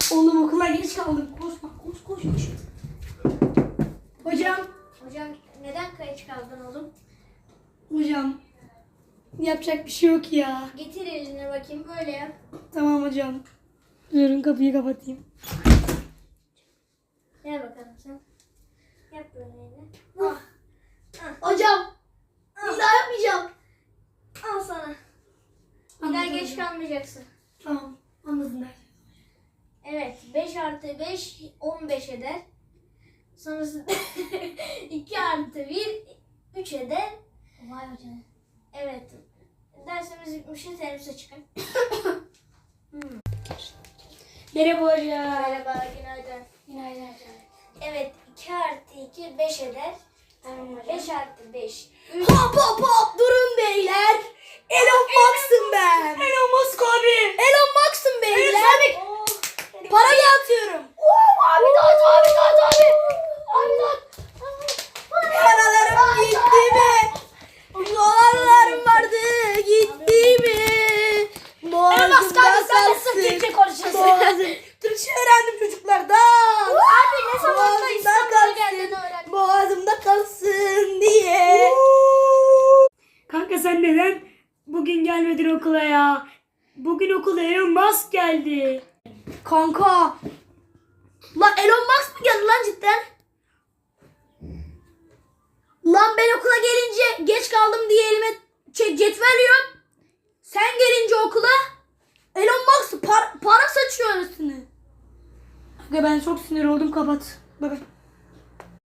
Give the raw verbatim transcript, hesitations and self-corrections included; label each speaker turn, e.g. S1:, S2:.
S1: Oğlum okula geç kaldım. Koş bak koş koş koş. Hocam.
S2: Hocam neden geç kaldın oğlum?
S1: Hocam. Yapacak bir şey yok ya.
S2: Getir elini bakayım böyle yap.
S1: Tamam hocam. Durun kapıyı kapatayım.
S2: Gel bakalım sen. Yap böyle elini. Ah. Ah.
S1: Hocam. Bir daha yapmayacağım.
S2: Al sana. Bir daha geç kalmayacaksın.
S1: Tamam. Anladın der.
S2: Evet. beş artı beş on beş eder. Sonrasında iki artı bir üç eder.
S1: Vay hocam.
S2: Evet. Dersimiz bitmişti. Teneffüse çıkın. hmm.
S1: Merhaba hocam.
S2: Merhaba. Günaydın.
S1: Günaydın hocam.
S2: Evet. iki artı iki beş eder.
S1: Tamam hocam.
S2: beş artı beş üç.
S3: Hop hop hop durun beyler. Elon Musk'ım ben.
S1: Elon Musk abi.
S3: Elon Musk'ım beyler.
S2: Oh,
S3: Para dağıtıyorum.
S1: Abi dağıt abi dağıt abi. Abi dağıt.
S3: Paralarım gitti mi? Dolarlarım vardı gitti mi?
S1: Elon Musk abi sen de sırf Türkçe konuşuyorsun.
S3: Boğazım. Türkçe öğrendim çocuklardan.
S2: Abi ne zamandır
S3: Boğazımda
S2: İstanbul'a geldin
S3: kalsın.
S2: öğrendin?
S3: Boğazımda kalsın diye.
S1: Kanka sen neden bugün gelmedin okula ya? Bugün okula Elon Musk geldi.
S3: Kanka. Lan Elon Musk mı geldi lan cidden? Lan ben okula gelince geç kaldım diye elime şey, cetvel yiyorum. Sen gelince okula Elon Musk par- para saçıyor arasını.
S1: Kanka ben çok sinir oldum, kapat. Bye bye.